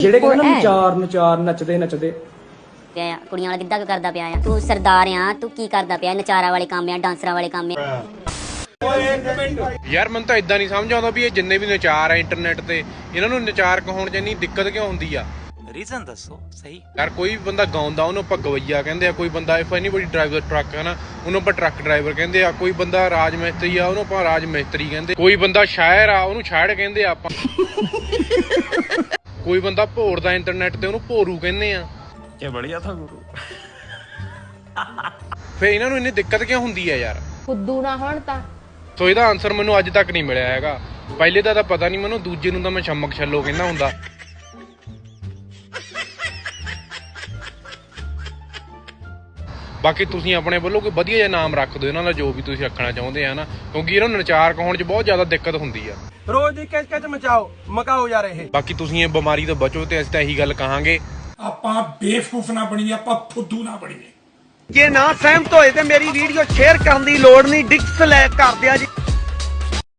ਜਿਹੜੇ ਕਹਿੰਦੇ ਨਾ ਨਚਾਰ ਨੱਚਦੇ ਪਿਆ ਕੁੜੀਆਂ ਵਾਲਾ ਗਿੱਧਾ ਕਰਦਾ ਪਿਆ ਆ। ਤੂੰ ਸਰਦਾਰ ਆ, ਤੂੰ ਕੀ ਕਰਦਾ ਪਿਆ? ਨਚਾਰਾਂ ਵਾਲੇ ਕੰਮ ਆ, ਡਾਂਸਰਾਂ ਵਾਲੇ ਕੰਮ ਆ। ਯਾਰ ਮੈਨੂੰ ਤਾਂ ਇਦਾਂ ਨਹੀਂ ਸਮਝ ਆਉਂਦਾ ਵੀ ਇਹ ਜਿੰਨੇ ਵੀ ਨਚਾਰ ਆ ਇੰਟਰਨੈਟ ਤੇ, ਇਹਨਾਂ ਨੂੰ ਨਚਾਰ ਕਹਾਉਣ 'ਚ ਇੰਨੀ ਦਿੱਕਤ ਕਿਉਂ ਹੁੰਦੀ ਆ? ਰੀਜ਼ਨ ਦੱਸੋ ਸਹੀ। ਯਾਰ ਕੋਈ ਬੰਦਾ ਗਾਉਂਦਾ ਉਹਨੂੰ ਆਪਾਂ ਗਵਈਆ ਕਹਿੰਦੇ ਆ, ਕੋਈ ਬੰਦਾ ਇਫ ਐਨੀਬਡੀ ਡਰਾਈਵਰ ਟਰੱਕ ਹੈ ਨਾ ਉਹਨੂੰ ਆਪਾਂ ਟਰੱਕ ਡਰਾਈਵਰ ਕਹਿੰਦੇ ਆ, ਕੋਈ ਬੰਦਾ ਰਾਜ ਮਿਸਤਰੀ ਆ ਉਹਨੂੰ ਆਪਾਂ ਰਾਜ ਮਿਸਤਰੀ ਕਹਿੰਦੇ, ਕੋਈ ਬੰਦਾ ਸ਼ਾਇਰ ਆ ਉਹਨੂੰ ਸ਼ਾਇਰ ਕਹਿੰਦੇ ਆ ਆਪਾਂ ਕੋਈ ਬੰਦਾ ਭੋਰਦਾ ਇੰਟਰਨੈਟ ਤੇ ਉਹਨੂੰ ਭੋਰੂ ਕਹਿੰਦੇ ਆ। ਇਹ ਬੜੀਆ ਥਾ ਗੁਰੂ। ਫੇ ਇਹਨਾਂ ਨੂੰ ਇੰਨੀ ਦਿੱਕਤ ਕਿਉਂ ਹੁੰਦੀ ਆ ਯਾਰ? ਫੁੱਦੂ ਨਾ ਹੋਣ ਤਾਂ। ਸੋ ਇਹਦਾ ਆਨਸਰ ਮੈਨੂੰ ਅੱਜ ਤੱਕ ਨਹੀਂ ਮਿਲਿਆ ਹੈਗਾ। ਪਹਿਲੇ ਦਾ ਤਾਂ ਪਤਾ ਨਹੀਂ ਮੈਨੂੰ, ਦੂਜੇ ਨੂੰ ਤਾਂ ਮੈਂ ਛਮਕ ਛੱਲੋ ਕਹਿੰਦਾ ਹੁੰਦਾ। ਬਾਕੀ ਤੁਸੀਂ ਆਪਣੇ ਵੱਲੋਂ ਕੋਈ ਵਧੀਆ ਜਿਹਾ ਨਾਮ ਰੱਖ ਦਿਓ ਇਹਨਾਂ ਦਾ, ਜੋ ਵੀ ਤੁਸੀਂ ਰੱਖਣਾ ਚਾਹੁੰਦੇ ਆ ਨਾ, ਕਿਉਂਕਿ ਇਹਨਾਂ ਨੂੰ ਨਚਾਰ ਕਹਾਉਣ 'ਚ ਬਹੁਤ ਜ਼ਿਆਦਾ ਦਿੱਕਤ ਹੁੰਦੀ ਆ। ਰੋਜ਼ ਦੀ ਕਿਚ ਮਕਾਓ ਯਾਰ ਇਹ। ਬਾਕੀ ਤੁਸੀਂ ਇਹ ਬਿਮਾਰੀ ਤੋਂ ਬਚੋ ਤੇ ਅਸੀਂ ਤਾਂ ਇਹੀ ਗੱਲ ਕਹਾਂਗੇ, ਆਪਾਂ ਬੇਵਕੂਫ ਨਾ ਬਣੀਏ, ਆਪਾਂ ਫੁੱਦੂ ਨਾ ਬਣੀਏ। ਜੇ ਨਾ ਸਹਿਮਤ ਹੋਏ ਤੇ ਮੇਰੀ ਵੀਡੀਓ ਸ਼ੇਅਰ ਕਰਨ ਦੀ ਲੋੜ ਨਹੀਂ, ਡਿਸਲਾਈਕ ਕਰ ਦਿਆ ਜੀ।